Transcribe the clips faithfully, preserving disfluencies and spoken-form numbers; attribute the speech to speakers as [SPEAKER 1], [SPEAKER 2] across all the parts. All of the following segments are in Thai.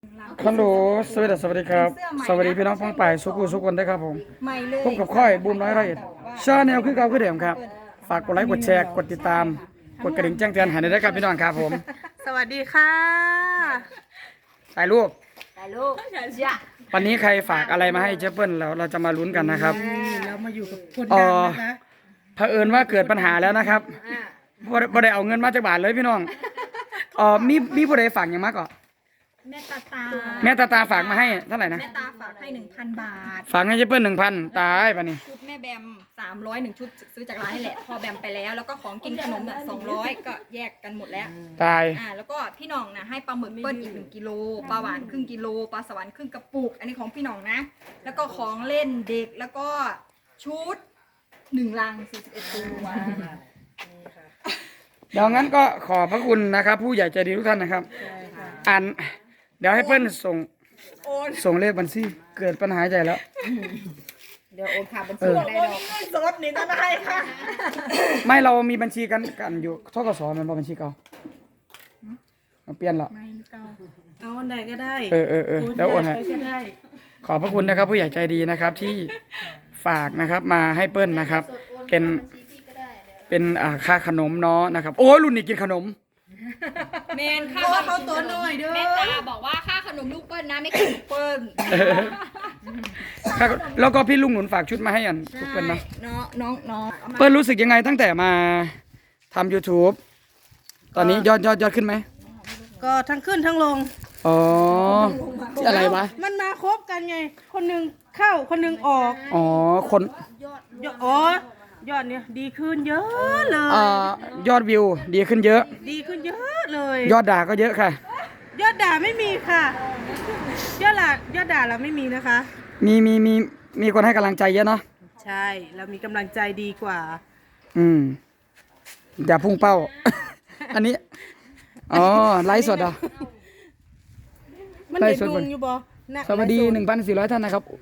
[SPEAKER 1] ฮัลโหลสวัสดีสวัสดีครับสวัสดีพี่น้องฟังไปสุกุสุกคนได้ครับผมพบกับค่อยบูมน้อยร้อยเอ็ดชาแนลคือเก่าคือเดิมครับฝากกดไลค์กดแชร์กดติดตามกดกระดิ่งแจ้งเตือนให้ได้ครับพี่น้องครับผม
[SPEAKER 2] สวัสดีค่ะ
[SPEAKER 1] ถ่ายรูป
[SPEAKER 3] แต่ลูกจ้ะ
[SPEAKER 1] วันนี้ใครฝากอะไรมาให้เจเปิ้ลแล้วเราจะมาลุ้นกันนะครับ
[SPEAKER 2] เรามาอยู่กับคน
[SPEAKER 1] อ๋
[SPEAKER 2] ดั
[SPEAKER 1] อง
[SPEAKER 2] นะคะ
[SPEAKER 1] เผอิญว่าเกิดปัญหาแล้วนะครับบ่บ่ได้เอาเงินมาจากบาทเลยพี่น้องอ๋อมีมีผู้ใดฝากอย่างมากก่อ
[SPEAKER 3] แม่ตาตา
[SPEAKER 1] แม่ตาตาฝากมาให้เท่าไหร่นะ
[SPEAKER 3] แม่ตาฝากให้หนึ่งพันบาท
[SPEAKER 1] ฝากให้เจเปิ้ลหนึ่งพันตายปะนี่
[SPEAKER 3] ชุดแม่แบมสามร้อยหนึ่งชุดซื้อจากร้านนี่แหละ พอแบมไปแล้ว แล้วก็ของกินขนมอ่ะสองร้อยก็แยกกันหมดแล้ว
[SPEAKER 1] ตาย
[SPEAKER 3] อ่า แล้วก็พี่หน่องนะให้ปลาหมึกเปิ้ลอีกหนึ่งกิโล ปลาหวานครึ่งกิโล ปลาสวรรค์ครึ่งกระปุก อันนี้ของพี่หน่องนะ แล้วก็ของเล่นเด็ก แล้วก็ชุดหนึ่งลังสี่สิบเอ็ดตัว
[SPEAKER 1] เดี๋ยวงั้นก็ขอบพระคุณนะครับ ผู้ใหญ่ใจดีทุกท่านนะครับอ่านเดี๋ยวให้เปิ้ลส่งส่งเลขบัญชีเกิดปัญหาใหญ่แล้ว
[SPEAKER 3] เดี๋ยวโอนค่ะบัญชีได้ดอก
[SPEAKER 2] สดนี่ก็ได้ค่ะ
[SPEAKER 1] ไม่เรามีบัญชีกันกันอยู่ทกสมันบ่บัญชีเก่าเอาเปลี่ยนละ
[SPEAKER 3] ไม่เก้า
[SPEAKER 2] เอาอันไหนก็ได้
[SPEAKER 1] เออเออเออแล้วโอนให้
[SPEAKER 2] ก็ได้
[SPEAKER 1] ขอบพระคุณนะครับ ผู้ใหญ่ใจดีนะครับที่ฝากนะครับมาให้เปิ้ลนะครับ เป็นเป็นอ่าค่าขนมเนาะนะครับ โอ้ยรุ่นนี้กินขนม
[SPEAKER 3] แมนค่า
[SPEAKER 2] ตัวเขาตัวหน่อยเด้อ
[SPEAKER 3] แม่ตาบอกว่าค่าขนมลูกเปิ้ลนะไม่กินเปิ้ล
[SPEAKER 1] ค่าแล้วก็พี่ลุงหนุนฝากชุดมาให้อันทุกเปิ้ลเนาะ
[SPEAKER 3] เนาะน้องน้อง
[SPEAKER 1] เปิ้ลรู้สึกยังไงตั้งแต่มาทำ YouTube ตอนนี้ยอดยอดยอดขึ้นไหม
[SPEAKER 2] ก็ทั้งขึ้นทั้งลง
[SPEAKER 1] อ๋อที่อะไรวะ
[SPEAKER 2] มันมาครบกันไง คนหนึ่งเข้าคนหนึ่งออก
[SPEAKER 1] อ๋อคน
[SPEAKER 2] ยอดอ๋อยอดเนี่ยดีขึ้นเยอะเลย
[SPEAKER 1] อ่ายอดวิวดีขึ้นเยอะ
[SPEAKER 2] ดีขึ้นเยอะเลย
[SPEAKER 1] ยอดด่าก็เยอะค่ะ
[SPEAKER 2] ยอดด่าไม่มีค่ะ ยอดด่ายอดด่าเราไม่มีนะคะ
[SPEAKER 1] มีมีมีมีคนให้กำลังใจเยอะเนาะ
[SPEAKER 2] ใช่เรามีกำลังใจดีกว่า
[SPEAKER 1] อืมอย่าพุ่งเป้า อันนี้อ๋อไลฟ์สดเหรอ
[SPEAKER 2] มัน
[SPEAKER 1] ได้
[SPEAKER 2] เด็ด
[SPEAKER 1] สด
[SPEAKER 2] ดุ
[SPEAKER 1] เบิ่
[SPEAKER 2] ง
[SPEAKER 1] ง
[SPEAKER 2] อยู่บ่น่ะ
[SPEAKER 1] สวัสดีหนึ่งพันสี่ร้อยท่านนะครับ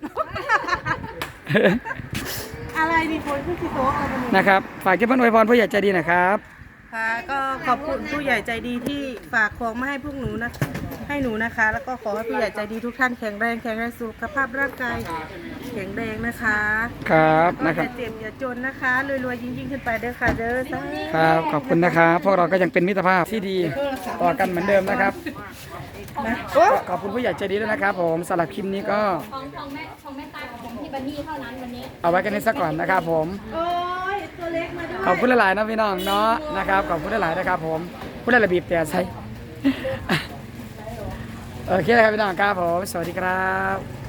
[SPEAKER 2] อะไรดีคนที่โต๊ะอะไรกันเนี่ย
[SPEAKER 1] นะครับฝากเจ้าเพื่อนอวยพรผู้ใหญ่ใจดีหนะครับ
[SPEAKER 2] ค่ะก็ขอบคุณผู้ใหญ่ใจดีที่ฝากของมาให้พวกหนูนะให้หนูนะคะ แล้วก็ขอให้ผู้ใหญ่ใจดีทุกท่านแข็งแรงแข็งแรงสุขภาพร่างกายแข็งแรงนะคะ
[SPEAKER 1] ครับ
[SPEAKER 2] ก็
[SPEAKER 1] นะครับ
[SPEAKER 2] อย่าเจ็บอย่าจนนะคะรวยๆยิ่งๆขึ้นไปเด้อค่ะเด้อสาธุ
[SPEAKER 1] ครับขอบคุณนะครับพวกเราก็ยังเป็นมิตรภาพที่ดีต่อกันเหมือนเดิมนะครับขอบคุณผู้ใหญ่ใจดีด้วยนะครับ ผมสำหรับคลิปนี้ก็
[SPEAKER 3] ของของแม่ของแม่ตาของพี่บันนี่เท่านั้นวันนี้
[SPEAKER 1] เอาไว้กันนี้สักก่อนนะครับผม
[SPEAKER 2] โอ้ยตัวเล็กมาด้วย
[SPEAKER 1] ขอบคุณหลายๆนะพี่น้องเนาะนะครับขอบคุณหลายๆนะครับผมผู้ใดระบีบแต่ใช้ โอเคครับพี่น้องครับผมสวัสดีครับ